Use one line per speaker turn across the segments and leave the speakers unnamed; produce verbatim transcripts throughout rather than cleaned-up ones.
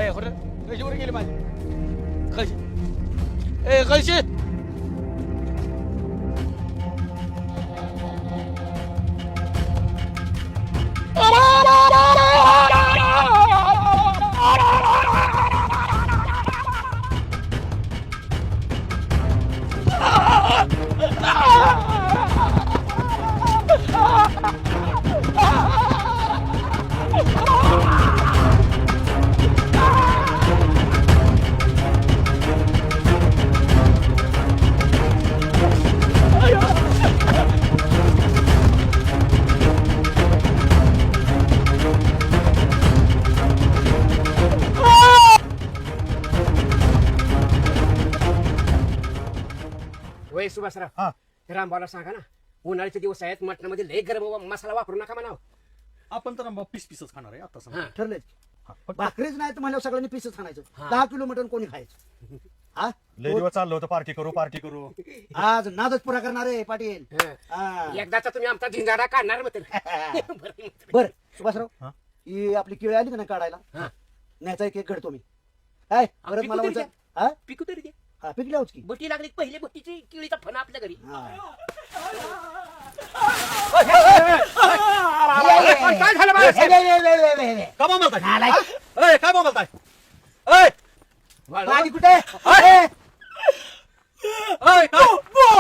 ए खरं कशी वर गेली माझी कशी ए कशी
वय सुभाषराव
हा
रामभाऊला सांगा ना उन्हाळ्याचे दिवस आहेत मटणामध्ये लय गरम मसाला वापरू नका म्हणाव.
आपण तर आंबा पीस पीसच खाणार आहे आता सांगा.
हा.
ठरले भाकरीच नाही तर म्हणल्यावर सगळ्यांनी पीसच खाणायचं.
हा.
दहा किलो मटण कोणी खायचं हा
लय दिवस चाललो होतं पार्टी करू पार्टी करू.
आज नादच पुरा करणार आहे पाटील.
हा.
हा.
एकदाचा तुम्ही आमचा झिंगाडा काढणार मग
बर सुभाषराव
हा?
ही आपली केळी आली का नाही काढायला
हा.
न्यायचा एक एक घडतो मी काय परत
पिकू
मला
तरी
म्हणतात हा
पिकू तरी दे
हा पिकल्याच की
बटी लागली पहिली बटीची किळीचा फणा आपल्या घरी.
हा.
काय झालं बा?
का बोलताय ए, काय बोलताय ए,
पाणी कुठे
ए, काय?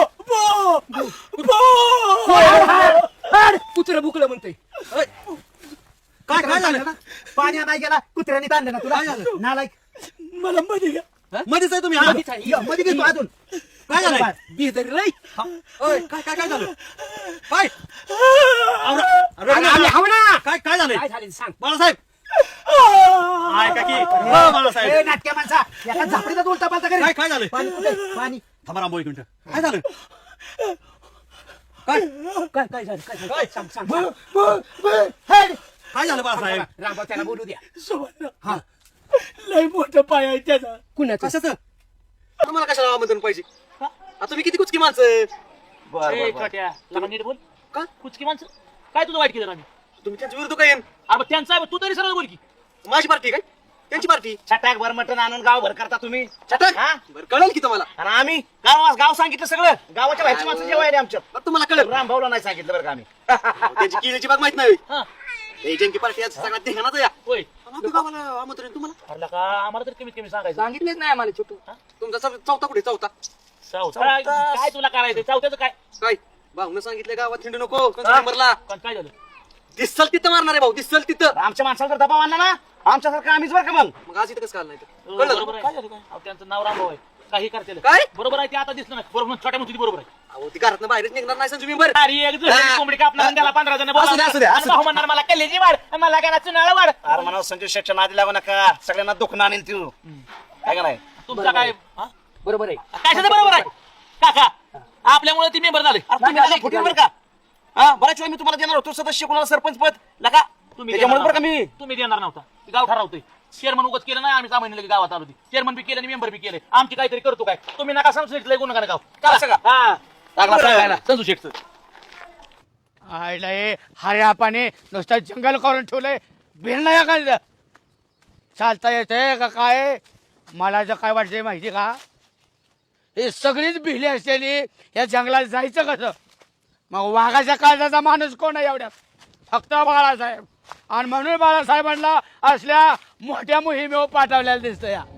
कुत्र बुकलं म्हणतोय.
ए, काय काय झालं
पाणी नाही गेला कुत्र्याने ताणलं ना तुला नालायक
मला मध्ये घ्या
मध्येच आहे तुम्ही हा?
मधीच आहे.
ये, मध्ये घेतो अजून
काय झालं
बिहदरी लय.
ओय, काय काय काय झालं काय अरे, अरे,
अरे, आम्ही हाव ना.
काय काय झालंय
काय झालं सांग.
बाळासाहेब ऐका की हो,
ए,
बाळासाहेब
नाटक्या माणसा एका झापडीचा उलटा पालता
काय
करे
काय झालंय
पाणी कुठे पाणी
थांबा रामभाऊ एक मिनिट काय झालं काय
काय काय झालं काय झालं
काय?
सांग सांग
ब-
सांग.
ब- ब- हेड.
काय झालं बाळासाहेब
रामभाऊ त्याला बोलू द्या.
सोबत लय मोठं पाय आहे त्याचा
कुणाचं
कशाचं तुम्हाला कशाला आमंत्रण पाहिजे आता तुम्ही किती कुचकी माणसं
ए, छोट्या, लगा नीट बोल
का
कुचकी माणसं काय तुझं वाईट केलं आम्ही
तुम्ही त्यांच्या विरुद्ध काय
अरे त्यांचा आहे, तू तरी सरळ बोल की
माझी पार्टी काय त्यांची पार्टी
छटाक भर मटण आणून गाव भर करता तुम्ही
छटक
हा?
बरं कळेल की तुम्हाला
आणि आम्ही गाव गाव सांगितलं सगळं गावाच्या बाहेरची माणसं जेवायला आमच्या
बरं तुम्हाला कळेल
राम भाऊला नाही सांगितलं बरं का आम्ही
त्याची किल्ल्याची बाग माहित नाही
हा
हे जंकी पार्टी आज सगळ्यात धिंगाणाच या
होय
आमच्या गावाला आमंत्रण तुम्हाला
अरे का आम्हाला तर कमीत कमी सांगायचं
सांगितलेच नाही आम्हाला छोटू.
तुमचा चौ- चौथा कुठे चौथा
चौथा काय काय तुला करायचं चौथ्याचं काय
काय भाऊन सांगितलं गावात हिंडू नको नंबरला
पण काय झालं
दिसल तिथं मारणार आहे भाऊ दिसल तिथं
आमच्या माणसाला जर दबाव आणला ना आमच्यासारखं आम्हीच बरं का मग
मग आज इथं कसं काल नाही तर?
हो,
कळलं
बरोबर आहे. काय झालं काय अहो, त्यांचं नाव रामभाऊ आहे काही करते
काय
बरोबर आहे ते आता दिसलं नाही बरोबर छोट्या मुली बरोबर आहे
अहो ती घरात बाहेरच निघणार नाही संजू मेंबर
अरे एक जण
हा.
कोंबडी कापणार त्याला पंधरा जण
असू दे, असू दे, असू दे.
भाऊ म्हणणार मला कल्ल्याची वाढ आणि मला काय चुनाळा वाढ
अरे म्हणा संजय शेटच्या नादी लागू नका सगळ्यांना दुखणं आणेल तू काय का नाही
तुमचा काय हा?
बरोबर आहे.
कशाचं बरोबर आहे काका आपल्यामुळे ती मेंबर झाले
अरे तुम्ही आता फुटील बरं का हा बऱ्याच वेळा मी तुम्हाला देणार होतो सदस्य कोणाला सरपंच पद लका
तुम्ही
त्याच्यामुळे
देणार
बरं का मी
तुम्ही देणार नव्हता ते गाव ठरवतोय चेअरमन उगत केलं नाही आम्ही सामान्य लगेच गावात आलो चेअरमन बी केलं आणि मेंबर बी केले आमची काहीतरी करतो काय तुम्ही नका सांगू गुन्हा नका गाव
का असं का?
हा
लागला सांगायला.
संजू शेठचं
आयला हे हऱ्यापाने नुसतं जंगल करून ठेवलंय बिल नाही का चालता येते का काय मला जर काय वाटतंय माहिती का हे सगळीच भिली असलेली या जंगलात जायचं कसं मग वाघाच्या काळजाचा माणूस कोण आहे एवढ्यात फक्त बाळासाहेब आणि म्हणून बाळासाहेबांना असल्या मोठ्या मोहिमेवर पाठवलेल्या दिसतं या